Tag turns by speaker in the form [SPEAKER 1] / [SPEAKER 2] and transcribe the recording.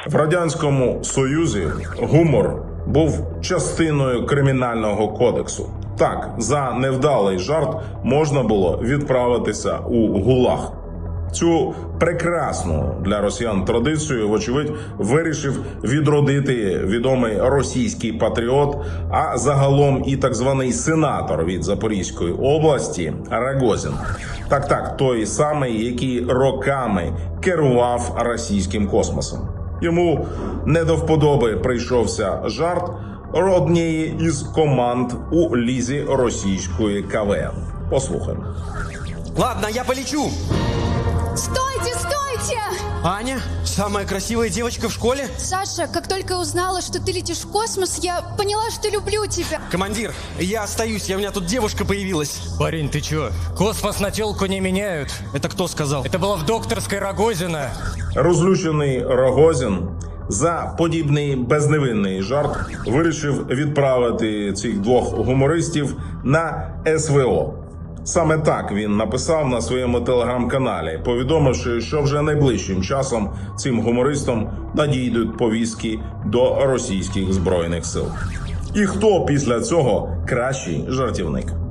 [SPEAKER 1] В Радянському Союзі гумор був частиною кримінального кодексу. Так, за невдалий жарт можна було відправитися у ГУЛАГ. Цю прекрасну для росіян традицію, вочевидь, вирішив відродити відомий російський патріот, а загалом і так званий сенатор від Запорізької області Рогозін. Так, той самий, який роками керував російським космосом. Йому не до вподоби прийшовся жарт однієї із команд у лізі російської КВН. Послухаємо.
[SPEAKER 2] Ладно, я полечу.
[SPEAKER 3] Стойте, стойте!
[SPEAKER 2] Аня, самая красивая девочка в школе?
[SPEAKER 3] Саша, как только я узнала, что ты летишь в космос, я поняла, что люблю тебя.
[SPEAKER 2] Командир, я остаюсь, у меня тут девушка появилась.
[SPEAKER 4] Парень, ты чё? Космос на тёлку не меняют.
[SPEAKER 2] Это кто сказал?
[SPEAKER 4] Это было в докторской Рогозина.
[SPEAKER 1] Розлючений Рогозін за подібний безневинний жарт вирішив відправити цих двох гумористів на СВО. Саме так він написав на своєму телеграм-каналі, повідомивши, що вже найближчим часом цим гумористам надійдуть повістки до російських збройних сил. І хто після цього кращий жартівник?